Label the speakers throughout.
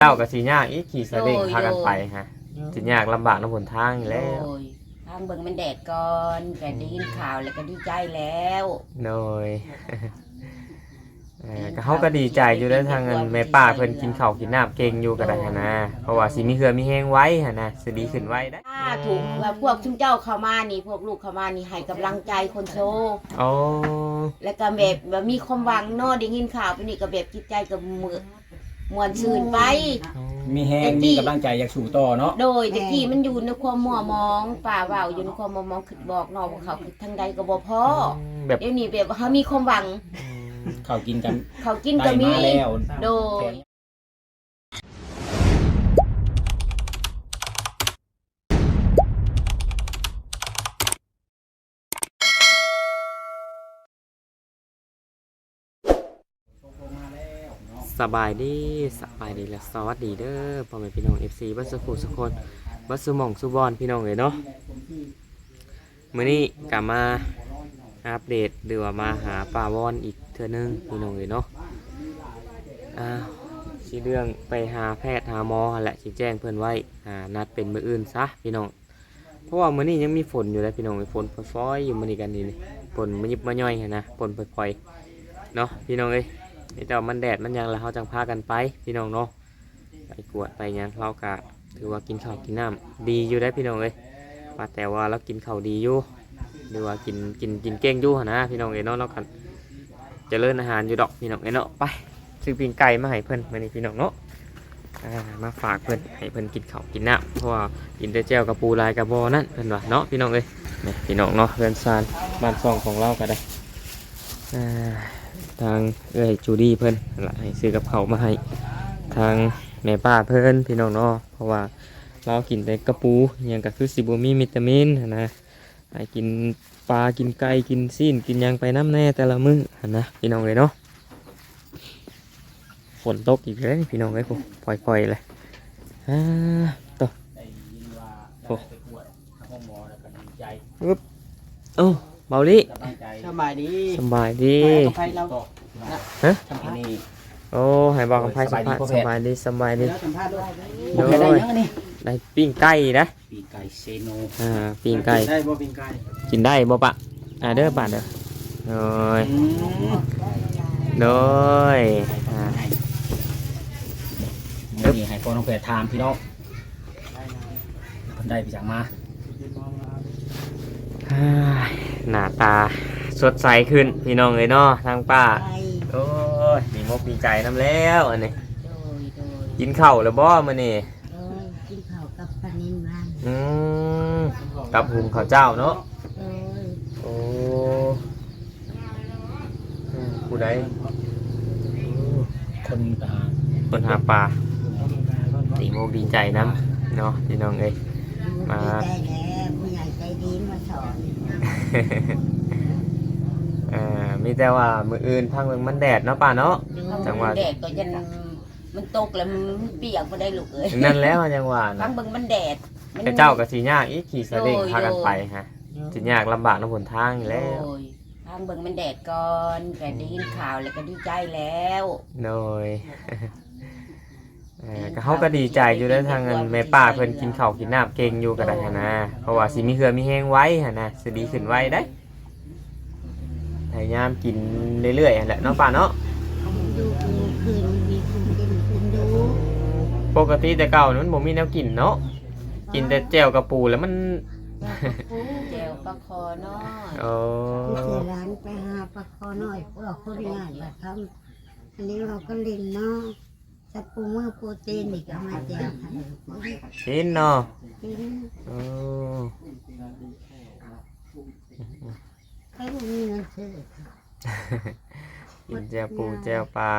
Speaker 1: เจ้ากับสียากอีกขี่สลิงพากันไปฮะสียากลำบากน้ำหนทางอยู่แล้ว
Speaker 2: ทางเบิ่งมันแดดก่อนแต่ได้ยินข่าวแล้วก็ดีใจแล้ว
Speaker 1: โดยก็เขาก็ดีใจอยู่ได้ทางเงินแม่ป้าเพิ่นกินข้าวกินน้ำเก่งอยู่ก็ได้นะเพราะว่าสิมีเหือมีแห้งไว้ฮะนะสิดีขึ้นไว้ได้
Speaker 2: ถูกว่าพวกชุมเจ้าเข้ามานี่พวกลูกเข้ามานี่ให้กำลังใจคนโซ
Speaker 1: อ๋อ
Speaker 2: แล้วก็แบบมีความหวังเนาะได้ยินข่าวไปนี่ก็แบบจิตใจก็มวนซื่นไป
Speaker 3: มีแห้งมีกำลังใจอยากสู่ต่อเนาะ
Speaker 2: โดยตะกี้มันอยู่ในความมัวมองป่าว่าวอยู่ในความมัวมองคิดบอกน้องว่าเขาคิดทางใดก็บ่พอแบบเดี๋ยวนี้แบบเขามีความหวัง
Speaker 3: เขากินกัน
Speaker 2: เขากินก็มีโดย
Speaker 1: สบายดีและสวัสดีเด้อพ่อแม่พี่น้อง FC บัสสุขุสุคนบัสสุหม่องสุบอนพี่น้องเลยเนาะมื้อนี้กลับมาอัปเดตหรือว่ามาหาป่าวอนอีกเทื่อนึงพี่น้องเลยเนาะสิเรื่องไปหาแพทย์หาหมอแหละสิแจ้งเพื่อนไว้นัดเป็นมื้ออื่นซะพี่น้องเพราะว่ามื้อนี้ยังมีฝนอยู่เลยพี่น้องฝนฝอยๆอยู่มื้อนี้กันนี่ฝนมันยิบมาย่อยนะฝนปล่อยๆเนาะพี่น้องเอ้ยนี่แต่มันแดดมันยังแล้วเขาจังพากันไปพี่น้องเนาะไปกวดไปยังเรากะถือว่ากินข้าวกินน้ำดีอยู่ได้พี่น้องเลยว่าแต่ว่าเรากินข้าวดีอยู่หรือว่ากินเก่งอยู่นะพี่น้องเอ้ยเนาะเรากันจะเลิ่นอาหารอยู่ดอกพี่น้องเอ้ยเนาะไปซื้อปิ้งไก่มาให้เพิ่นมานี่พี่น้องเนาะมาฝากเพิ่นให้เพิ่นกินข้าวกินน้ำเพราะว่ากินแต่แจ่วกับปูลายกับบอนั่นเพิ่นว่าเนาะพี่น้องเอ้ยนี่พี่น้องเนาะเรือนซานบ้านซองของเราก็ได้ทางจูดี้เพิ่นให้ซื้อกับเขามาให้ทางแม่ป้าเพิ่นพี่น้องเนาะเพราะว่าเรากินแต่กระปูยังก็คือสิบ่มีวิตามินนะให้กินปลากินไก่กินซีนกินยังไปน้ำแน่แต่ละมื้อนะพี่น้องเลยเนาะฝนตกอีกแล้วพี่น้องเลยผมปล่อยเลยต่อโอ้ปึ๊บโอ้เบาลิ
Speaker 2: สบายดี
Speaker 1: ฮะโอ้ให้บอกกับไพ่สบายดีโดยได้ปิ้งไก่นะ
Speaker 3: ปีไก่เซโน
Speaker 1: ปิ้งไก่
Speaker 3: ได้บ่ปิ้งไก่
Speaker 1: กินได้บ่ปะเด้อปะเด้อโดย
Speaker 3: นี่ให้พ่อน้องแพรถามพี่น้องเพิ่นได้ไปจากมา
Speaker 1: หน้าตาสดใสขึ้นพี่น้องเลยเนาะทางป้าโอ้ยมีมกมีใจน้ำแล้วอันนี้กินข้าวแล้วบ่มื้อนี้
Speaker 2: กินข้าวกับปลานิ่มบ้าง
Speaker 1: กับหุงข้าวเจ้าเนาะโอ้ผู้ใดคนหาปลาตีโมกดีใจน้ำเนาะพี่น้องเอ้ยมา
Speaker 2: ผู้ใหญ่ใจดีมาสอน
Speaker 1: มีแต่ว่ามืออื่นทางเมืองมันแดดเนาะป่าเนาะ
Speaker 2: จังหวะแดดก็ยันมันตกแล้วมันเปียกมาได้ลูกเอ้ย
Speaker 1: นั่นแล้วจังหวะ
Speaker 2: ทางเมืองมันแดด
Speaker 1: แต่เจ้ากับสียากอีกขี่สลิงพากันไปฮะสียากลำบากน้ำหนทางอยู่แล้ว
Speaker 2: ทางเมืองมันแดดก่อนแต่ได้ยินข่าวแล้วก็ดีใจแล้ว
Speaker 1: โดยเขาก็ดีใจอยู่ได้ทางเงินแม่ป้าเพิ่นกินข้าวกินน้ำเก่งอยู่ก็ได้นะเพราะว่าสิมีเหือมีแห้งไว้ฮะนะสิดีขึ้นไว้ได้พยายามกินเรื่อยๆแหละเนาะป้าเนาะปกติแต่เก่านั้นผมมีแนวกินเนาะกินแต่แจ่วกับปูแล้วมัน
Speaker 2: แจ่วปลาคอน้อย
Speaker 4: ที่ร้านไปหาปลาคอน้อยพวกคนงานมาทำอันนี้เราก็เล่นเนาะจะปูเมื่อโปรตีนอีกเอามาแจก
Speaker 1: กินเนาะ
Speaker 4: ให้มีเงินซื้อ
Speaker 1: กินแจ่วปูแจ่วปลา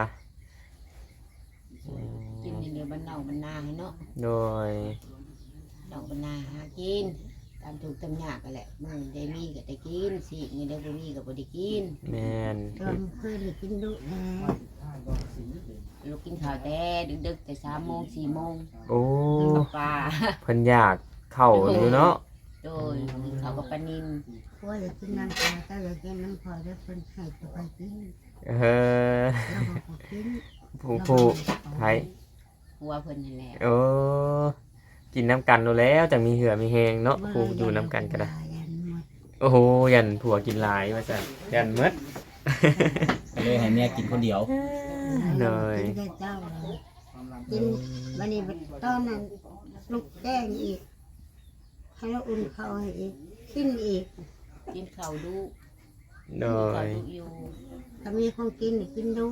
Speaker 2: กินเดี๋ยวมันเน่ามันนาให้เนาะ
Speaker 1: โดย
Speaker 2: เน่ามันนาหากินตามถูกตามยากกันแหละมึงได้มีก็ได้กินสิมีได้บ่มีก็บ่ได้กิน
Speaker 1: แม่น
Speaker 4: เคยได้กินดุแน่
Speaker 2: ลูกกินข้าวแต่ดึกๆแต่3 โมง 4 โมง
Speaker 1: โอ้
Speaker 2: ปลา
Speaker 1: เพิ่นอยากเข้าอยู่เนาะ
Speaker 2: โดยข้าวกับปลานิล
Speaker 4: ว่าอยากกินน้ำปลาก็อยากกินน้ำพอได้เพิ่นให้ไปกิน
Speaker 1: ผู้ไทย
Speaker 2: ผัวเพิ่นนั่นแหละ
Speaker 1: โอ้กินน้ำกันโดนแล้วจังมีเหือมีแหงเนาะผู้อยู่น้ำกันก็ได้
Speaker 4: ยันหมด
Speaker 1: โอ้โหยันผัวกินหลายว่าซั่นยันหมด
Speaker 3: ก็เลยให้เมียกินคนเดียว
Speaker 1: เลย
Speaker 4: กินแต่เจ้าเลยกินวันนี้ตอนนั้นลูกแจ้งอีกให้เราอุ่นข้าวให้อีกกินอีก
Speaker 2: กินข้าวดู
Speaker 1: โด
Speaker 2: ข้าวย ดูอยู่
Speaker 4: ถ้ามีของกินกินดู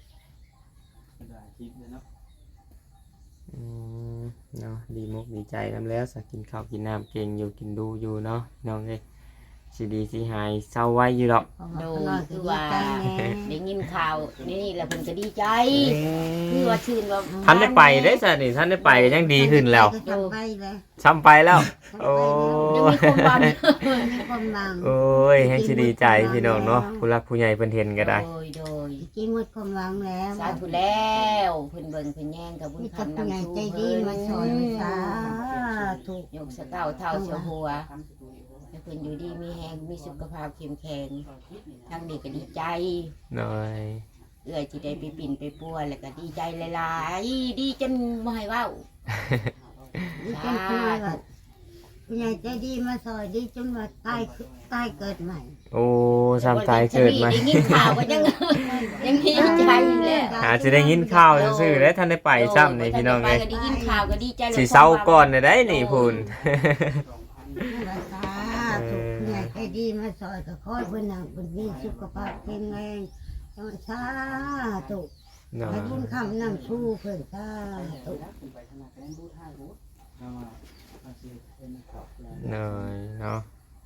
Speaker 1: อืมเนาะดีมุกดีใจนำแล้วสักกินข้าวกินน้ำเก่งอยู่กินดูอยู่เนาะน้องเอ้ยสิดีสิหายเศร้าไว้อยู่ดอก
Speaker 4: เพราะว่าข้างนอกก็ดีใจแน่
Speaker 2: ได้ยินข่าวนี่แหละเพิ่นก็ดีใจคือว่าชื่นว่า
Speaker 1: ท่านได้ไปได้จ้ะนี่ท่านได้ไปก็ยังดีขึ้นแล้ว
Speaker 4: ทำไปเลย
Speaker 1: ซ้ำไปแล้ว โอ้
Speaker 2: ยังมีความหวัง
Speaker 4: มีความหวัง
Speaker 1: โอ้ยให้สิดีใจพี่น้องเนาะผู้รักผู้ใหญ่เพิ่นเห็นก็ได้
Speaker 2: โดย
Speaker 4: กินหมดความหวังแล้ว
Speaker 2: สาธุแล้วเพิ่นเบิ่งเพิ่นแย่งกับบุญ
Speaker 4: มีกับ
Speaker 2: คำ
Speaker 4: ผู้ใหญ่
Speaker 2: นำชู
Speaker 4: ใจดี
Speaker 2: เพิ่น
Speaker 4: มาสอนสาธุ
Speaker 2: ยกสะเก้าเท่าเชียวหัวให้เพิ่นอยู่ดีมีแฮงมีสุขภาพเข้มแข็งทางนี้ก็ดีใจ
Speaker 1: หน่อย
Speaker 2: เอื้อยสิได้ไปปิ่นไปปัวแล้วก็ดีใจหลายๆดีจนบ่ให้เว้า
Speaker 4: ดีจนผู้ใหญ่ว่าผู้ใหญ่ใจดีมาสอนดีจนว่าตายเกิดใหม่
Speaker 1: โอ้ซ้ำตายเกิดมา
Speaker 2: ได้ยินข่าวก็ยังยังดีใจอยู่แหละ
Speaker 1: อาจจะได้ยินข่าวซื่อๆแล้วท่านได้ไปซ้ำนี่พี่น้อง
Speaker 2: ไป
Speaker 1: เอ้ย
Speaker 2: ก็ได้ยินข่าวก็ดีใจแล้ว
Speaker 1: สิเศร้าก่อนได้นี่พูน
Speaker 4: สาธุผู้ใหญ่ใจดีมาสอนก็ขอให้เพิ่นนั่งเพิ่นมีสุขภาพแข็งแรงสาธุ
Speaker 1: หน่อ
Speaker 4: ให้
Speaker 1: ย
Speaker 4: บุญคำนำชูเพิ่นสาธุ
Speaker 1: หน่อยเนาะ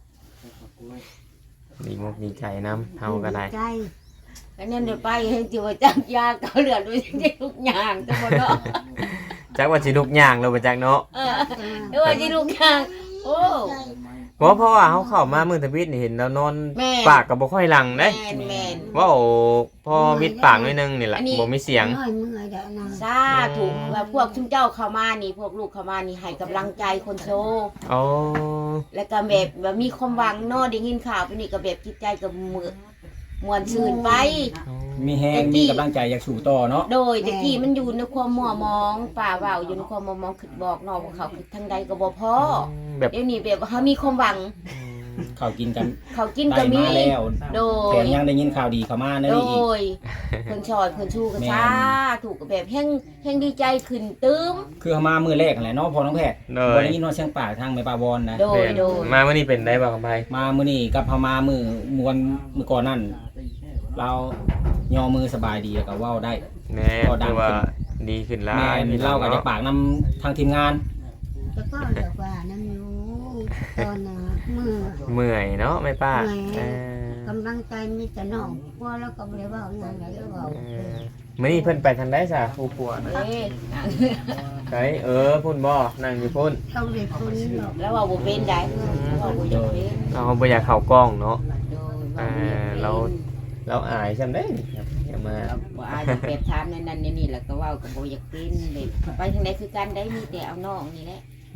Speaker 1: ดีมุกดีใจน้ำเฮาก็ได้
Speaker 4: ใจ
Speaker 2: อันนั้นเดี๋ยวไปให้จิว่าจักยาเกาเหลือด้วยทุกอย่างทั้งหมดเนาะ
Speaker 1: จักว่าสิลุกย่างเราไปจักเนาะ
Speaker 2: ไม่ว่าสิทุกอย่างโอ้
Speaker 1: เพราะว่าเฮาเข้ามามื้อทวิตนี่เห็นแล้วนอน
Speaker 2: แม่
Speaker 1: ปากก็บ่ค่อยหลังเด้
Speaker 2: แม่น
Speaker 1: ว่าโอ้พอวิดปากหน่อยนึงนี่แหละ
Speaker 2: อันนี้
Speaker 1: บ่มีเสียง
Speaker 4: น้อยเมื่อยเด้อนะ
Speaker 2: สาธุว่าพวกทุกเจ้าเข้ามานี่พวกลูกเข้ามานี่ให้กำลังใจคนโซ
Speaker 1: อ๋อ
Speaker 2: แล้วก็แบบมีความหวังเนาะได้ยินข่าวไปนี่ก็แบบจิตใจก็มือมวนชื่นไป
Speaker 3: มีแฮงมีกำลังใจอยากสู่ต่อเนาะ
Speaker 2: โดยตะกี้มันอยู่ในความมัวมองป่าเว้าอยู่ในความมัวมองคิดบอกน้องว่าเขาคิดทางใดก็บ่พอ
Speaker 1: แบบ
Speaker 2: เดี๋ยวนี้แบบว่าเขามีความหวัง
Speaker 3: ข้าวกินกัน
Speaker 2: เขากิน
Speaker 3: ได้
Speaker 2: ก็มี
Speaker 3: มาแล้ว
Speaker 2: โด
Speaker 3: แถ
Speaker 2: ย
Speaker 3: มยังได้ยินข่าวดีเข้ามาใน
Speaker 2: โด
Speaker 3: นี้อีก
Speaker 2: ยเพิ่นชอยเพิ่นชูกัน
Speaker 3: แม่น
Speaker 2: ซาถูกกับแบบแห้งดีใจขึ้นตื้ม
Speaker 3: คือเขามามื้อแรกนั่นแหละเนาะพอน้องแพทย์
Speaker 1: โด
Speaker 3: บ่
Speaker 1: ย
Speaker 3: ได้ยินว่าเสียงปากทางแม่ปาวอนนะ
Speaker 2: โดยโดย
Speaker 1: มาวันนี้เป็นได้บ่ครับไผ
Speaker 3: มามื้อนี้กับพามามื้อก่อนนั่นเราย่อมือสบายดีแล้วก็เว้าได้
Speaker 1: แม่
Speaker 3: ก็ดัง
Speaker 1: คือว่า
Speaker 3: ขึ้น
Speaker 1: ดีขึ้นหลา
Speaker 3: แม่
Speaker 1: ย
Speaker 3: นเราก็จะปากนำทางทีมงาน
Speaker 4: แต่ก็เดี๋ยวว่านั่นอยู่ตอนน่ะมือ
Speaker 1: เมื่อยเนาะแม่ป้า
Speaker 4: เมื่อย
Speaker 1: เออก
Speaker 4: ำลังใจมีแต่น้องพวแล้วก็บ่ได้เว้าหยังเลยเว้า
Speaker 1: มื้อนี้เพิ่นไปทางใดซะผู้ปัวนะ
Speaker 2: เอ้ย
Speaker 1: ไกพุ่นบ่นั่งอยู่พุ่น
Speaker 4: ต้องได้คนหรอก
Speaker 2: แล้วว่าบ่เป็นได้ว่าบ่อยากเป็น
Speaker 1: เราบ่อยากเข้ากล้องเนาะ
Speaker 2: โดย
Speaker 1: อ่าเราอายซำได้นี่ครับอย่ามา
Speaker 2: บ่อายจะแบบถามนั่นนี่แล้วก็เว้าก็บ่อยากเป็นแบบไปทางใดคือกันได้มีแต่เอาน้องนี่แหละ
Speaker 1: โอ้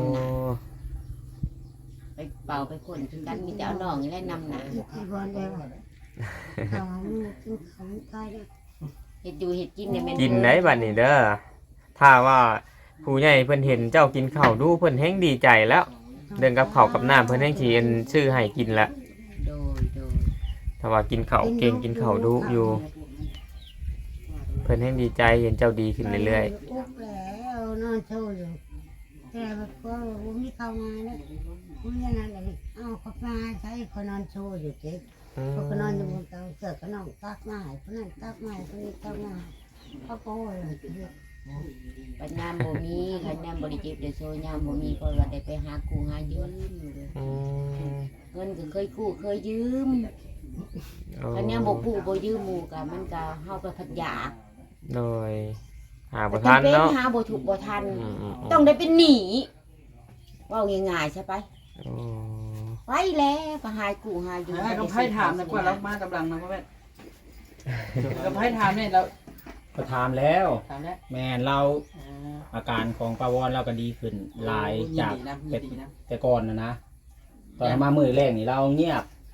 Speaker 2: ไปเป่าไปคนคือกันมีแต่เอาน้องนี่แหละนำหน้า
Speaker 4: ที่บ่ได้ว่าเขากินของตายแล้ว
Speaker 2: เฮ็ดอยู่เฮ็ดกินเนี่ยแม่น
Speaker 1: กินได้บัดนี้เด้อถ้าว่าผู้ใหญ่เพิ่นเห็นเจ้ากินข้าวดูเพิ่นแฮงดีใจแล้ว เรื่องกับข้าวกับน้ำเพิ่นแฮงสิซื้อให้กินละ
Speaker 2: โดย
Speaker 1: ถ้าว่ากินข้าวเก่งกินข้าวดูอยู่ เพิ่นแฮงดีใจเห็นเจ้าดีขึ้นเรื่อย
Speaker 4: อุ๊บแล้วนอนโชว์อยู่แต่แบบก็บ่มีเข้ามาแล้วบ่มีนั่นเลยเอาเขามาใช้เขานอนโชว์อยู่เจ๊
Speaker 1: ๆอืม
Speaker 4: เขาก็นอนอยู่บนเตียงเสือก็นอนตักไม้คนนั้นตักไม้คนนี้ตักไม้เขาโป้ย
Speaker 2: ปัญญามบ่มีคันยามบ่ได้เจ็บได้โซยามบ่มีก็ว่าได้ไปหากู้หายืมอยู่เลย
Speaker 1: อืม
Speaker 2: เงินก็เคยกู้เคยยืม
Speaker 1: โอ้
Speaker 2: คันยามบ่กู้บ่ยืมหมู่ก็มันก็เฮาก็พัดยาก
Speaker 1: โดยหาบ่ทันเนาะ
Speaker 2: หาบ่ถูกบ่ทัน
Speaker 1: อืม
Speaker 2: ต้องได้เป็นหนี้เว้าง่ายๆใช่ไป
Speaker 1: โอ้
Speaker 2: ไปแล้วก็หายกู้หายืม
Speaker 5: ต้องไพ่ถามนะกว่าเรามากำลังนะพ่อแม่เราไพ่ถามเนี่ยเรา
Speaker 3: ก็ถามแล้ว
Speaker 5: ถามแล้ว
Speaker 3: แม่นเราอาการของปาวอนเราก็ดีขึ้นหลายจาก
Speaker 5: ยินดีนะ
Speaker 3: แต่
Speaker 5: ยินดีนะ
Speaker 3: แต่ก่อนนะตอนมามื้อแรกนี่เราเงียบ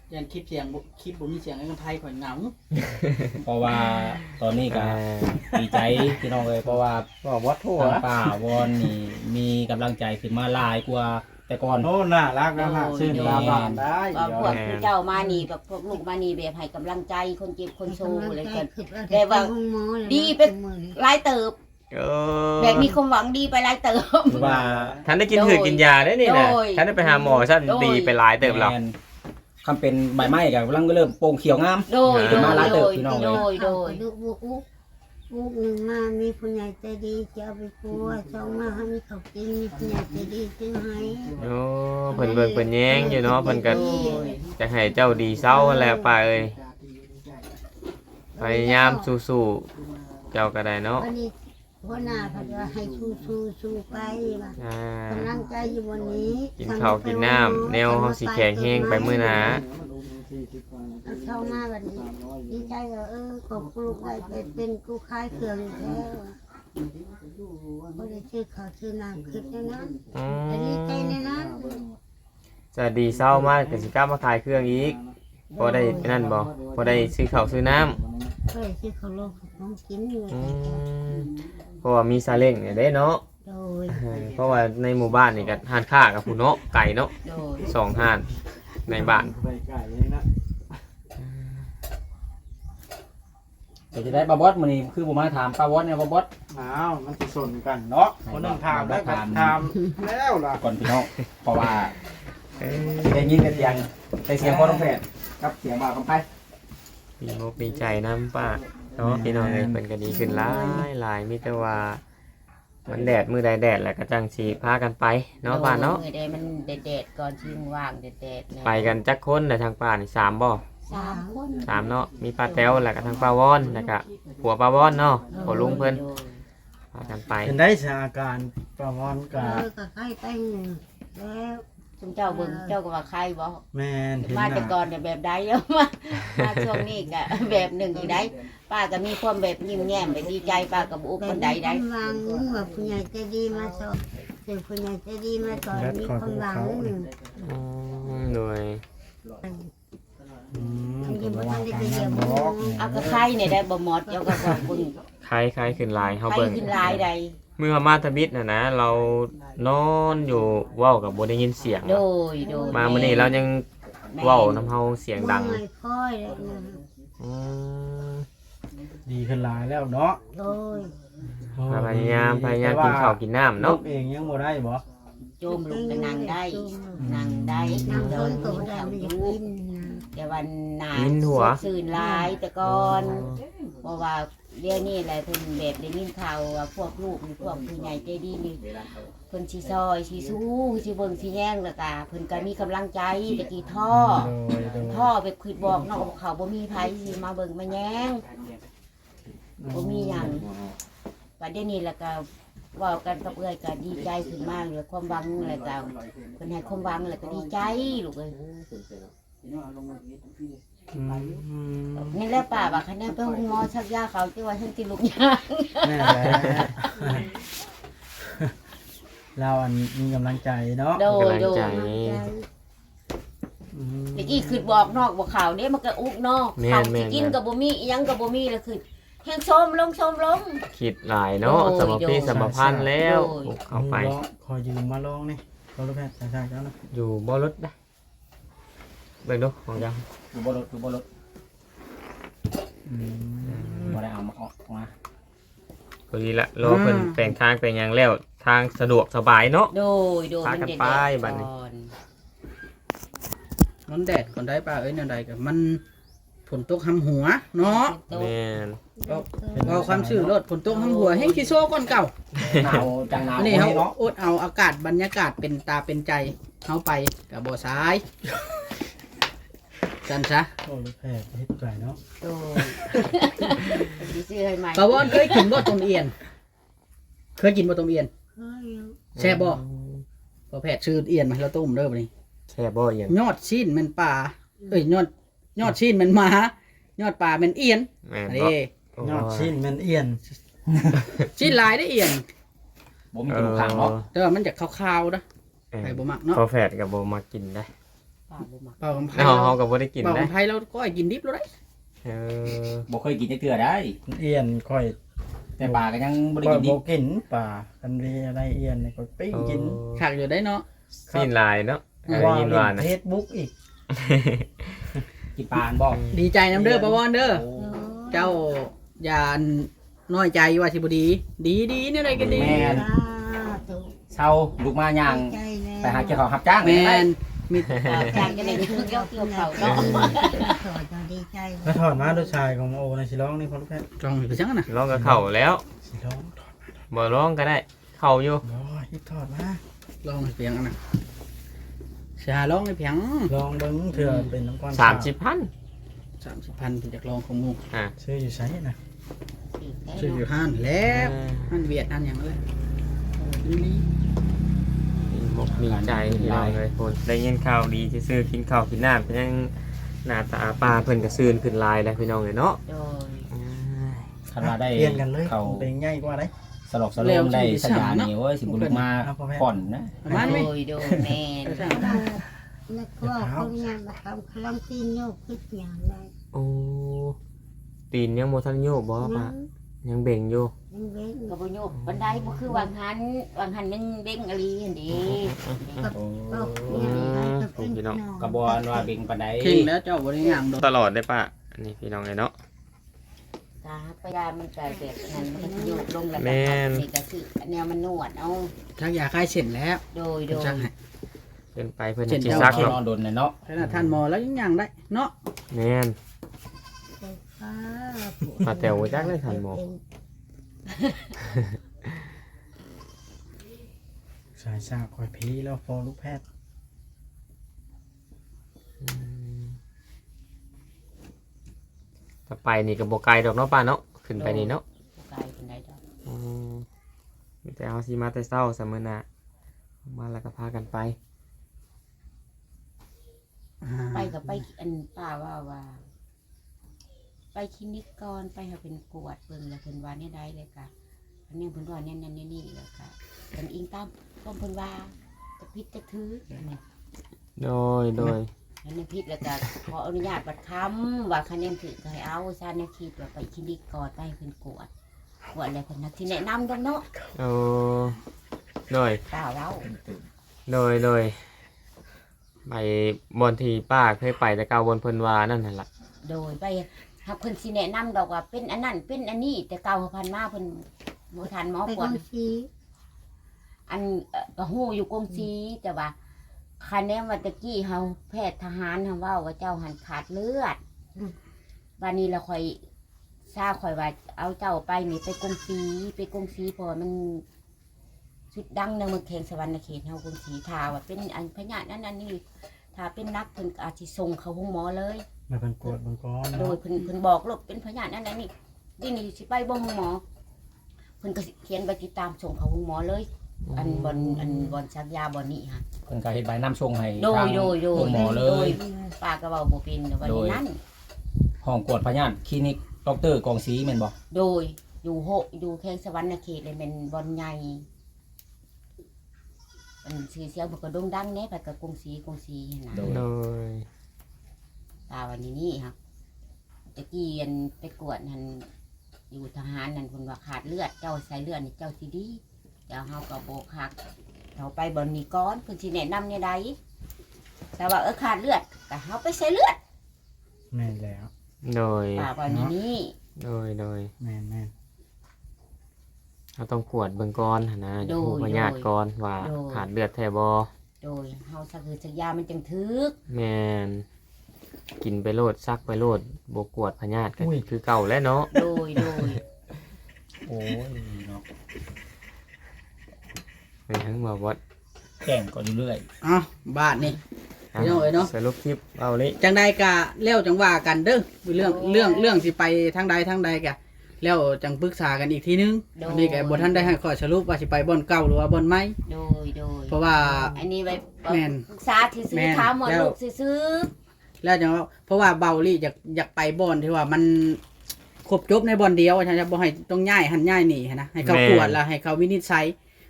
Speaker 5: ยันคลิปเสียงคลิปบ่มีเสียงไอ้คนไทยข่อยเหงา
Speaker 3: เพราะว่าตอนนี้ก็ดีใจพี่น้องเลยเพราะว่า
Speaker 1: บอกว่าทั่ว
Speaker 3: ทางป่าวอนนี่มีกำลังใจขึ้นมาหลายกว่าแต่ก่อน
Speaker 6: โอ้น่ารักนะฮะชื่นตาบานได้
Speaker 2: ว่าพวกผู้เจ้ามานี่แบบพวกลูกมานี่แบบให้กำลังใจคนเจ็บคนโซอะไรกัน แต่ว่าดีไป หลายเติบ
Speaker 1: เออ
Speaker 2: แบบมีความหวังดีไปหลายเติบ
Speaker 3: คือว่า
Speaker 1: ท่านได้กินหืดกินยาได้นี่นะ
Speaker 2: โดย
Speaker 1: ท่านได้ไปหาหมอซะดีไปหลายเติบแล้ว
Speaker 3: แม่นคำเป็นใบไม้ก็กำลังเริ่มโป่งเขียวงาม
Speaker 2: โดยโด
Speaker 3: มาหลาย
Speaker 2: ย
Speaker 3: เติ
Speaker 2: โด
Speaker 3: บ
Speaker 2: ย
Speaker 3: พี่น้อง
Speaker 2: โด
Speaker 3: เลย
Speaker 2: ยโดย
Speaker 4: ลูกลูกหนึ่งมามีผู้ใหญ่ใจดีจะเอาไปกลัวสองมาให้มีเขากินมีผู้ใหญ่ใจดีซื้อให้
Speaker 1: โอ้เพิ่นเบิ่งเพิ่นแย้งอยู่เนาะเพิ่นก็จะให้เจ้าดีเศร้าแหละป้าเอ้ยพยายามสู้ๆเจ้าก็ได้เนาะ
Speaker 4: วันนี้หัวหน้าพัดว่าให้สู้ไปว่ะ
Speaker 1: อ่าก
Speaker 4: ำลังใจอยู่วันนี้
Speaker 1: กินข้าวกินน้ำแนวเฮาสิแข็งแฮงไปมื้อหน้า
Speaker 4: เอาเข้ามาวันนี้ดีใจว่าขอบคุณได้ไปเป็นกูขายเครื่องแล้วก็ได้ชื่อข้าวชื่อน้ำขึ้นในนั้น
Speaker 1: อื
Speaker 4: แต่ดีใจ
Speaker 1: ม
Speaker 4: ในนั้น
Speaker 1: จะดีเศร้ามากก็สิกลับมาขายเครื่องอีกพอได้นั่นบ่พอได้ซื้อข้าวซื้อน้ำ
Speaker 4: ก็ได้ชื่อข้าวโลกของกินเลย
Speaker 1: อืมเพราะว่ามีซาเล้งเนี่ยได้เนาะ
Speaker 4: โดย
Speaker 1: เพราะว่าในหมู่บ้านนี่ก็ห้านค้ากับผู้เนาะไก่เนาะ
Speaker 2: โดย
Speaker 1: สองห้านในบ้าน
Speaker 6: ไปไก่เลยนะ
Speaker 3: เดี๋ยวจะได้ปลาบอสมื้อนี้คือผมมาถามปลาบอสเนี่ยปลาบอส
Speaker 6: อ้าวมันจะสนกันเนาะคนนึงถามแล้วก็ถามแล้วล่ะ
Speaker 3: ก่อนพี่น้องเพราะว่าสิได้ยินแต่เสียงพ่อต้องแพทย์กับเสียงบ่าวกำไพ
Speaker 1: มีมกมีใจน้ำป้าเนาะพี่น้องเลยเป็นก็ดีขึ้นหลายหลายมีแต่ว่ามันแดดมือใดแดดแหละก็จังสีพากันไปเนาะป้าเนาะ
Speaker 2: โดยได้มันแดดๆก่อนชิงว่างแดดๆเนี่ย
Speaker 1: ไปกันจักคนในทางป่านี่3บ่
Speaker 2: 3 คน
Speaker 1: 3เนาะมีป้าแต้วแล้วก็ทางป้าวอนแล้วก็ผัวป้าวอนเนาะผัวลุงเพิ่นพากันไป
Speaker 6: เป็นได้สถานการณ์ประมอนกับ
Speaker 4: ก็ใกล้แต่งแล้ว
Speaker 2: จุมเจ้าเบิ่งเจ้าก็ว่าใครบ่
Speaker 6: แมนเห็น
Speaker 2: มา
Speaker 6: ห
Speaker 2: แต่
Speaker 6: น้า
Speaker 2: ก่อนเนี่ยแบบใดแล้วมาช่วงนี้ก็แบบหนึ่งอีกได้ป้าก็มีความแบบยิ้มแย้มแบบดีใจป้าก็บ่อุบคนใดได้
Speaker 4: วางว่าผู้ใหญ่ใจดีมาสอนเป็นผู้ใหญ่ใจดีมาสอนมีความหวัง
Speaker 1: โดย
Speaker 4: อันนี้บ่ทันได้ไปเยี่ยมหมอ
Speaker 2: เอาก็ใครเนี่ยได้บ่หมดเจ้าก็บอกเบิ่ง
Speaker 1: ใครขึ้นหลายเฮา
Speaker 2: ใคร
Speaker 1: เบิ่ง
Speaker 2: ขึ้นหลายใด
Speaker 1: เมื่อมาทบิดนะเรานอนอยู่เว้ากับบ่ได้ยินเสียง
Speaker 2: โดยแ
Speaker 1: มามื้อนี้เรายังเว้าน้ำเฮาเสียงดัง
Speaker 4: ไม่ค่อยเลยนะ
Speaker 1: อืม
Speaker 6: ดีขึ้นหลายแล้วเนาะ
Speaker 4: โดย
Speaker 1: พยายามกินข้าวกินน้ำ
Speaker 6: เนาะ
Speaker 1: เนาะ
Speaker 6: เองยังบ่ได้บ่
Speaker 2: โจมลูกก็นั่งได้นั่งได้
Speaker 4: นั่ง
Speaker 2: เดิ
Speaker 4: ต้
Speaker 2: น
Speaker 4: น
Speaker 2: กิ
Speaker 4: ก็
Speaker 2: น
Speaker 4: ได้
Speaker 2: ข้าว
Speaker 4: ไม่
Speaker 2: อ
Speaker 4: อยาก
Speaker 2: ยู่
Speaker 4: กินนะ
Speaker 2: แต่วันหนา
Speaker 1: วินหัว
Speaker 2: สื่นหลายแต่ก่อนเพราะว่าเดี๋ยวนี้แหละเพิ่นแบบได้ยินข่าวว่าพวกลูกนี่พวกผู้ใหญ่ใจดีนี่เพิ่นสิซอยสิสู้สิเบิ่งสิแย่งแล้วก็เพิ่นก็มีกำลังใจตะกี้ท่อ
Speaker 6: โดย
Speaker 2: พ่อไปคิดบอกเนาะว่าเขาบ่มีไผสิมาเบิ่งมาแย้งบ่มีหยังว่าเดี๋ยวนี้แล้วก็เว้ากันกับเอื้อยก็ดีใจขึ้นมากเลยความหวังแล้วก็เพิ่นให้ความหวังแล้วก็ดีใจลูกเอ้ย
Speaker 1: อืม
Speaker 2: นี่แหละป้าว่าคันนั้นไปโรงหมอชักยาเขาที่ว่าฉันติดลูกยาง
Speaker 6: แม่แหละเราอันมีกำลังใจเนาะ
Speaker 2: โดย
Speaker 1: กำลัง
Speaker 2: โด
Speaker 1: ใจ
Speaker 2: ย
Speaker 6: อืม
Speaker 2: ตะกี้คือบอกนอกบอกข่าวเด้มันก็อุกนอก
Speaker 1: แม่น
Speaker 2: เขา
Speaker 1: แม่
Speaker 2: สิ
Speaker 1: น
Speaker 2: กินกับบ่มีอิหยังกับบ่มีแล้วคือแห้งชมลง
Speaker 1: คิดหลายเนาะ
Speaker 2: โดย
Speaker 1: สมพีสมพันธ์แล้ว
Speaker 2: โดย
Speaker 1: เข้าไป
Speaker 6: ขอยืมมาลองนี่ขอรถแพทย์ใช่ๆแล้วนะ
Speaker 1: อยู่บ่รถได้เบิ่งดูของยัง
Speaker 3: อยู่บ่รถ
Speaker 6: อืม
Speaker 3: บ่ได้เอามาออกมา
Speaker 1: พอดีละรอเพิ่นแปลงทางแปลงหยังแล้วทางสะดวกสบายเนาะ
Speaker 2: โดย
Speaker 1: พากัน
Speaker 2: เด็ด
Speaker 1: ไป
Speaker 2: ๆ
Speaker 1: บัดนี้
Speaker 2: ก่อน
Speaker 5: มันแดดก่อนได้ป้าเอ้ยแนวใดก็มันฝนตกหำหัวเนาะ
Speaker 1: แม่น
Speaker 5: เราความชื่อรถฝนตกหำหัวแห้งขี้โซ่ก่อนเก่า
Speaker 3: หนาวจังหนาว
Speaker 5: อันนี้เขา
Speaker 3: เนาะ
Speaker 5: อดเอาอากาศบรรยากาศเป็นตาเป็นใจเขาไปกับบ่อซ้ายจันซะ
Speaker 6: โอ้รถแพทย์เฮ็ดใจเนาะ
Speaker 2: โดยสิซื้อให้ใหม่
Speaker 5: ปาวอนเคยกินบ่ต้มเอียน เคยกินบ่ต้มเอียน
Speaker 4: เฮ้ย
Speaker 5: แซ่บบ่พอแพทย์ชื่อเอียนมาให้เราต้มเด้อบัดนี้
Speaker 1: แค่บ่อย่าง
Speaker 5: ยอดชิ้นแมันปลาเอ้ยยอดชิ้นแมันหมายอดปลาแมันเอียน
Speaker 1: แม่น
Speaker 5: อัน
Speaker 1: บ่
Speaker 5: นี้
Speaker 6: ยอดชิ้นแมันเอียน
Speaker 5: ชิ้นหลายได้เอียน
Speaker 3: บ่มีกระดูกข้างเนาะ
Speaker 5: แต่ว่ามันจะคาวๆนะ
Speaker 1: เออ
Speaker 5: ใครบ่มักเนาะ
Speaker 1: พอแฟดกับบ่มากินได้
Speaker 2: ป้าบ่มัก
Speaker 5: เป่ากับไผ่
Speaker 1: เฮาก็บ่ได้กิน
Speaker 5: เป่ากั
Speaker 1: ได้
Speaker 5: บไผ่เราก็ให้กินดิบแล้วได้
Speaker 1: เออ
Speaker 3: บ่เคยกินจักเทื่อได้
Speaker 6: เอียนค่อย
Speaker 3: แต่ปลาก็ยังบ่ได้
Speaker 6: ค่อย
Speaker 3: กินดิ
Speaker 6: บ่
Speaker 3: บ
Speaker 6: กินป่ากันเรียอะไรเอียนนี่ก็ปิ้งกิน
Speaker 5: ขักอยู่ได้เนาะ
Speaker 1: สิ้นลายเนาะได้
Speaker 6: ว่า
Speaker 1: ยิน
Speaker 6: เล่
Speaker 1: ว่าน นะ
Speaker 6: เฟซบุ๊กอีก
Speaker 3: กินปลาบ่
Speaker 5: ดีใจน้ำเด้อปะวอนเด้อ
Speaker 3: โอ้
Speaker 5: เจ้าอย่าน้อยใจว่าสิบ่ดี ดีเนี่ยอะไรกันดี
Speaker 3: แม่น
Speaker 4: ถูก
Speaker 3: เช้าลูกมาย่าง
Speaker 4: ใจแม่
Speaker 3: ไปหาเกี่ยวของรับจ้าง
Speaker 5: แม่นมี
Speaker 2: จางจะได้เกี่ยวเขาเนาะ
Speaker 4: ถอดเราดีใจ
Speaker 6: แล้วถอดมาด้วยชายของโอในสิร้องนี่พอลูกแพทย์
Speaker 5: จองไปจังน่ะ
Speaker 1: ร้องกับเข้าแล้ว
Speaker 6: สิร้องถอด
Speaker 1: บ่ร้องก็ได้ เข้าอยู่
Speaker 6: ร้อยฮิตถอดมา
Speaker 5: ลองให้เพียงอันน่ะเสียร้องให้เพียง
Speaker 6: ลองเบิ้งเถื่อเป็นน้ำก้อน
Speaker 1: 30,000
Speaker 5: 30,000เป็นจากลองของหมู่
Speaker 6: ซื้ออยู่ไสนะ
Speaker 5: ซื้ออยู่ห้านแล้วห้านเวียดห้านหยังเลยนี่
Speaker 1: มกมีใจพี่น้องเลยคนได้ยินข่าวดีซื่อๆกินข้าวกินน้ำเพิ่นยังหน้าตาปลาเพิ่นก็ซื่นขึ้นลายแล้วพี่น้องเลยเนาะ
Speaker 2: โดย
Speaker 3: คันว่าได้
Speaker 6: เปลี่ยนกันเลย
Speaker 3: เขา
Speaker 6: เป็นง่ายกว่าได้
Speaker 3: สลบสลมได้สัญญานี่โอ้ยสิบ่ลุกมาผ่อนนะ
Speaker 5: ประมาณไหม
Speaker 2: โดยแม่น
Speaker 4: แล้วก็เขายังมาทำคลังตีนโยกขึ้นอย่างไร
Speaker 1: โอ้ตีนยังบ่ทันโยกบ่ปะยังเบ่งอยู่
Speaker 4: ยังเว้น
Speaker 2: ก็บ่โยกบันไดบ่คือวางหันมันเด้งอลีหั่นเด้
Speaker 3: โอ้
Speaker 1: พี่น้อง
Speaker 3: กระบวนว่าเบ่งปานใด
Speaker 5: เข่งแล้วเจ้าบ่ได้ย่างดอก
Speaker 1: ตลอดได้ปะอันนี้พี่น้องเลยเนาะ
Speaker 2: ตาไปยามันก็แบบนั้นมันก็สิโยกลงแล้ว
Speaker 1: แม่
Speaker 2: ก็
Speaker 1: น
Speaker 2: นี่ก็คือแนวมันนวดเอา
Speaker 5: ชักยาคลายเส้นแล้ว
Speaker 2: โดย
Speaker 5: จังให้
Speaker 1: เพิ่นไปเพิ่น
Speaker 5: เจ็ด
Speaker 1: สิ
Speaker 5: เจ้า
Speaker 1: ซัก
Speaker 3: ที่
Speaker 1: เนาะ
Speaker 3: นอนโดนน่ะเนาะ
Speaker 5: ขนาดท่านหมอแล้วยังย่างได้เนาะ
Speaker 1: แม่น
Speaker 4: ฟ้า
Speaker 1: ปลาแต๋วจักได้ทันหมอ
Speaker 6: สายซากคอยพีแล้วพอลูกแพทย์
Speaker 1: ถ้าไปนี่ก็บ่ไกลดอกเนาะป้าเนาะขึ้นไปนี่เนาะ
Speaker 2: กายเป็นไดดอก
Speaker 1: อืมมีแต่เอาสิมาแต่เช้าซะมื้อหน้ามาแล้วก็พากันไป
Speaker 2: ไปก็ไปอันป้าว่า ไปคลินิกก่อนไปให้เป็นกวดเบิ่งแล้วเพิ่นว่าเนี่ยได้เลยค่ะอันนี้เพิ่นว่าเนี่ยนั่นเนี่ยนี่แล้วก็เพิ่นอิงตามก็เพิ่นว่าจะพิษจะถืออันนี้
Speaker 1: โดย
Speaker 2: อันนี้พิษแล้วก็ขออนุญาตบัดคำว่าคะแนนถือก็ให้เอาซาแนวคิดว่าไปคลินิกก่อนไปให้เพิ่นกวดแล้วเพิ่นนักที่แนะนำดังเนาะ
Speaker 1: โอ้โดย
Speaker 2: ป้าเว้า
Speaker 1: โดยไปบอนที่ป้าเคยไปแต่เก่าบนเพิ่นว่านั่นน่ะล่ะ
Speaker 2: โดยไปหากเพิ่นสิแนะนำดอกว่าเป็นอันนั้นเป็นอันนี้แต่เก่าพันมาเพิ่นบ่ทันหมอ
Speaker 4: ไป
Speaker 2: ก
Speaker 4: ก
Speaker 2: ว
Speaker 4: อ
Speaker 2: ด
Speaker 4: งสี
Speaker 2: อันก็ฮู้อยู่กงสีแต่ว่าคันแนว่าตะกี้เฮาแพทย์ทหารเฮาเว้าว่าเจ้าหันขาดเลือดวันนี้เราค่อยทราบค่อยว่าเอาเจ้าไปนี่ไปกงสีเพราะว่ามันชุดดังในเมืองเขงสวรรณเขตเฮากงสีถ้าว่าเป็นอันพญานั้นอันนี้ถ้าเป็นนักเพิ่นก็อาจสิส่งเข้าห้องหมอเลย
Speaker 6: มาเป็นกวดบางก้อน
Speaker 2: โดย
Speaker 6: เนาะ
Speaker 2: เพิ่นบอกลูกเป็นพญานั้นอันนี้นี่สิไปบ่ห้องหมอเพิ่นก็สิเขียนใบติดตามส่งเข้าห้องหมอเลย อันบอนชักยาบอนนี่ฮะ
Speaker 3: เพิ่นก็เฮ็ดใบน้ำชงให้
Speaker 2: โดย
Speaker 3: ทาง
Speaker 2: โดย
Speaker 3: หมอเลย
Speaker 2: ป้าก็เว้าบ่เป็นวันนี้นั้น
Speaker 3: ห้องกวดพยาธิคลินิกดรกองศรีแม่นบ่
Speaker 2: โดยอยู่แข้งสวรรณเขตเลยเป็นบอนใหญ่เป็นชื่อเสียงบ่ก็โด่งดังแน่ไปกับกรุงศรีนะ
Speaker 1: โดย
Speaker 2: ป้าวันนี้นี่ครับตะกี้อันไปกวดนั่นอยู่ทหารนั่นเพิ่นว่าขาดเลือดเจ้าใส่เลือดนี่เจ้าสิดีเจ้าเฮาก็บ่คักเราไปบอนนี้ก่อนเพิ่นสิแนะนำแนวใดแต่ว่าขาดเลือดก็เฮาไปใส่เลือด
Speaker 6: แม่นแล้ว
Speaker 1: โดย
Speaker 2: ป้าวันนี้
Speaker 1: โดย
Speaker 6: แม่น
Speaker 1: เราต้องกวดเบิ่งก่อนหั่นนะจะฮู้พยาธิก่อนว่าขาดเลือดแท้บ่
Speaker 2: โดยเฮาสักคือสักยามันจังถึก
Speaker 1: แม่นกินไปโลดซักไปโลดบ่กวดพยาธิก็คือเก่าแล้วเนาะ
Speaker 2: โดย
Speaker 3: โอ้ยเนาะ
Speaker 1: เป็นทั้งบ่วัด
Speaker 3: แกล้งก็เรื่อย
Speaker 5: อ้าวบาทนี่ พี่น้องเอ้ยเนาะ
Speaker 1: สรุปคลิปเอาเลย
Speaker 5: จังใดกะแล้วจังว่ากันเด้อเรื่องสิไปทางใดกะแล้วจังปรึกษากันอีกทีนึงอันนี้ก็บ่ทันได้ให้ข้อสรุปว่าสิไปบ่อนเก่าหรือว่าบ่อนใหม่
Speaker 2: โดย
Speaker 5: เพราะว่า
Speaker 2: อันนี้ไว้
Speaker 5: แม่น
Speaker 2: ปรึกษาที่ซื้
Speaker 5: แม่
Speaker 2: อน ถามหมด
Speaker 5: แล้ว
Speaker 2: ลูกซื้อ
Speaker 5: แล้วจังว่าเพราะว่าเบาลี่อยากไปบ่อนที่ว่ามันครบจบในบ่อนเดียวฉันจะบ่ให้ต้องย้ายหันย้ายหนีหั้นนะให้เขากวดแล้วให้เขาวินิจฉัย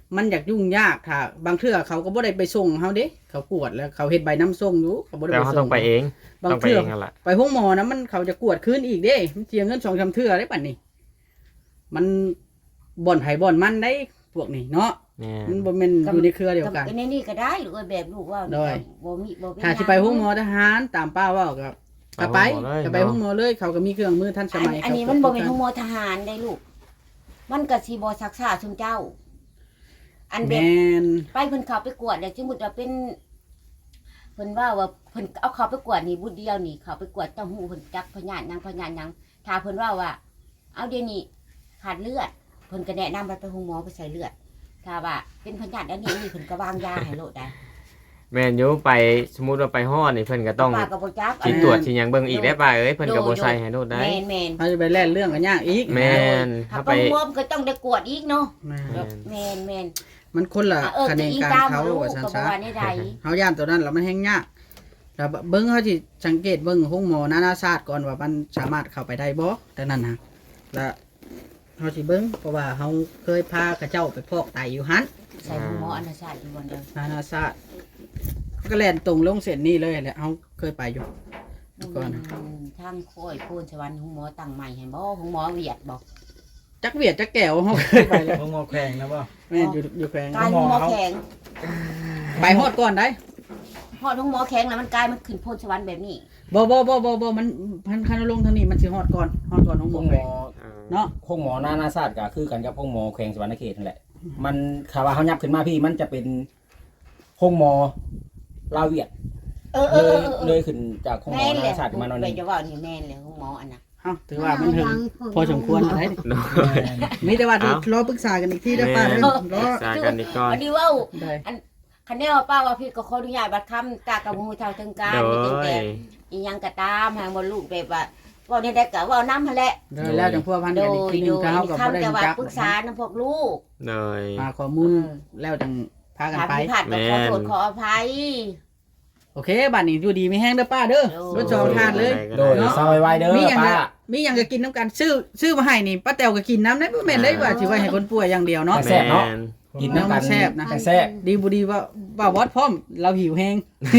Speaker 5: มันอยากยุ่งยากถ้าบางเทื่อเขาก็บ่ได้ไปส่งเฮาเด้เขากวดแล้วเขาเฮ็ดใบน้ำส่งอยู่เขาบ่ได้
Speaker 1: แต่
Speaker 5: ไป
Speaker 1: เขา
Speaker 5: ส่
Speaker 1: ต้อง งไปเอง
Speaker 5: บาง
Speaker 1: ต้องไป
Speaker 5: เทื่อ
Speaker 1: เองนั่นแหละ
Speaker 5: ไปห้องหมอนะมันเขาจะกวดคืนอีกเด้มันเสียเงิน2-3เทื่อได้บัดนี้มันบ่อนไผบ่อนมันได้พวกนี้เนาะ
Speaker 1: แม่
Speaker 5: มันบ่แม่นอยู่ในเครือเดียวกัน
Speaker 2: ในนี่ก็ได้ลูกเอ้ยแบบลูกว่า
Speaker 5: ได้
Speaker 2: บ่มีบ่เป็น
Speaker 5: ถ้าสิไปห้องหมอทหารตามป้าเว้าก็ไป
Speaker 1: ห้องหมอเลย
Speaker 5: ก็ไปห้องหมอเลยเขาก็มีเครื่องมือทันสมัย
Speaker 2: อันนี้มันบ่เป็นห้องหมอทหารได้ลูก มันก็สิบ่ซักษาชุมเจ้า อันแบ
Speaker 5: แม่
Speaker 2: บ
Speaker 5: น
Speaker 2: ไปเพิ่นเข้าไปกวดแล้วสมมุติว่าเป็นเพิ่นว่าเพิ่นเอาเข้าไปกวดนี่บุดเดียวนี่เข้าไปกวดต้องหูเพิ่นจักพยานหยังถ้าเพิ่นว่าเอาเดี๋ยวนี้ขาดเลือดเพิ่นก็แนะนำไปห้องหมอไปใส่เลือดถ้าว่าเป็นพยานอันนี้เพิ่นก็วางยาให้โลดได้
Speaker 1: แม่นอยู่ไปสมมุติว่าไปฮอดนี่เพิ่นก็ต้อง
Speaker 2: ป้าก็บ่จัก
Speaker 1: สิตรวจสิหยังเบิ่งอีกได้ป่ะเอ้ยเพิ่นก็บ่ใส่ให้โดดได้
Speaker 2: แม่น
Speaker 5: เขาจะไปแล่นเรื่องกันยากอีก
Speaker 1: แม่น
Speaker 2: ถ้า
Speaker 1: ถ้า
Speaker 2: ไป
Speaker 1: ไป
Speaker 2: รวมก็ต้องได้กวดอีกเนาะ
Speaker 5: แม่น
Speaker 1: แม่น
Speaker 2: แม่น
Speaker 5: มันคนละ
Speaker 2: ๆ
Speaker 5: คะแนน
Speaker 2: อี
Speaker 5: การ
Speaker 2: ตาม
Speaker 5: เขา
Speaker 2: ลูก
Speaker 5: ว่าซั่น
Speaker 2: ก็บ่
Speaker 5: ซะ
Speaker 2: ว่าในใด
Speaker 5: เฮาย่านตัวนั้นแล้วมันแฮงยากแต่เบิ่งเขาสิสังเกตเบิ่งห้องหมอนานาชาติก่อนว่ามันสามารถเข้าไปได้บ่แต่นั้นฮะแล้วเฮาสิเบิ่งเพราะว่าเฮาเคยพากระเจ้าไปพอกไตอยู่หัน
Speaker 2: ใส่ห้องหมออนาชาติอยู่บ่เด้อ
Speaker 5: นานาชาติก็แล่นตรงลงเส้นนี้เลยแหละเฮาเคยไปอยู่ ก่อนนะ
Speaker 2: ทางโค้ยโพนสวรรค์ห้องหมอตั้งใหม่ให้บ่ห้องหมอเวียดบ่
Speaker 5: จักเวียดจักแก้วเฮาเคยไปแล้ว
Speaker 6: ห้องงอแข่งนะป่ะ
Speaker 5: แม่นอยู่แขวง
Speaker 2: กายห้องหมอแข็ง
Speaker 5: ไปฮอดก่อนได้
Speaker 2: ฮอดห้องหมอแข็งแล้วมันกลายมันขึ้นโพนสวรรค์แบบนี้
Speaker 5: บ่มันคันลงทางนี้มันสิฮอดก่อนห้องหม
Speaker 3: ห้
Speaker 5: อ
Speaker 3: อง
Speaker 5: แข
Speaker 3: หม
Speaker 5: วง
Speaker 3: อ
Speaker 5: เนาะ
Speaker 3: ห้องหมอนานาชาติก็คือกันกับห้องหมอแขวงสวรรณเขตนั่นแหละ มันคาว่าเขายับขึ้นมาพี่มันจะเป็นห้องหมอลาวเวียดเลยขึ้นจากห้องหมอ
Speaker 2: แม่น
Speaker 3: นา
Speaker 2: เลย
Speaker 3: นาชาติมาหน่อยห
Speaker 2: ไป
Speaker 3: นึง
Speaker 2: จะว่านี่แม่นเลยห้องหมออันน่ะ
Speaker 5: เอ้าถือว่ามันถึงพอสมควรได้ มีแต่ว่าเดี๋ยวรอปรึกษากันอีกทีได้อป้าเด้อรอ
Speaker 1: สากันอีกก่อน
Speaker 2: อันนี้เว้า
Speaker 5: ได้
Speaker 2: คันแนวป้าว่าพี่ก็ขออนุญาตบัดคำตากับหูเท่าถึงการ
Speaker 1: โด
Speaker 2: มีตั้งแต่
Speaker 1: ย
Speaker 2: อีหยังก็ตามให้บ่ลูกแบบว่าเว้าได้ก็เว้านำหั่นแหละ
Speaker 5: ได้แล้วจังพัวพัน
Speaker 2: โด
Speaker 5: กันอีก
Speaker 2: ย
Speaker 5: ทีหนึ
Speaker 2: โด
Speaker 5: ง
Speaker 2: ย
Speaker 5: ถ้าเฮาก็บ่ได้
Speaker 2: คำแต่ว่า
Speaker 5: จัก
Speaker 2: ปรึกษานำพวกลูก
Speaker 1: โดย
Speaker 5: หาข้อมูลแล้วจังพากัน
Speaker 2: ถ้า
Speaker 5: ไป
Speaker 2: ผิดพลาดก็ขอโทษขออภัย
Speaker 5: โอเคบัดนี้อยู่ดีมีแห้งเด้อป้าเด้อ
Speaker 2: โดย
Speaker 5: รถจองทานเลย
Speaker 3: โดยซอยไว้เด้อ
Speaker 5: มีหยัง
Speaker 3: ป้า
Speaker 5: จะมีหยังจะกินน้ำกันซื้อมาให้นี่ป้าแตวก็กินน้ำได้บ่แม่นได้ว่าสิไว้ให้คนป่วยอย่างเดียวเนาะ
Speaker 3: แซ่บเนาะ
Speaker 1: แม่น
Speaker 3: กินน้ำกัน
Speaker 5: แซ่บนะ
Speaker 3: แซ่บ
Speaker 5: ดีบ่ดีว่าวัดพร้อมเราหิวแฮง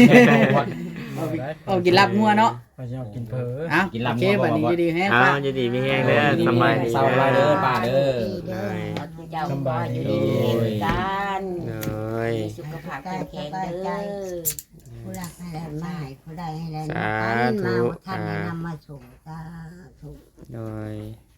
Speaker 5: เอากินลาบงัวเนาะ
Speaker 6: เขาจะเอากินเผลอ
Speaker 5: อ่ะ
Speaker 3: กินลาบ
Speaker 5: โอ
Speaker 3: งั
Speaker 5: เคว บัดนี้อยู่ดีแฮง
Speaker 1: เอา
Speaker 5: ป้า
Speaker 1: จะดีมีแห้งเด้อสบายดี
Speaker 3: เศร้าไว้เด้อป้าเด้อ
Speaker 2: เจ้าก็อยู่ดีมีแรงกัน
Speaker 1: โดย
Speaker 2: มีสุขภาพแข็งแรงเด้อ
Speaker 4: ผู้รักให้ได้มาให้ผู้ใดให้ได้
Speaker 1: สาธุ
Speaker 4: มาท่านแนะนำมาส่งสาธุ
Speaker 1: โดย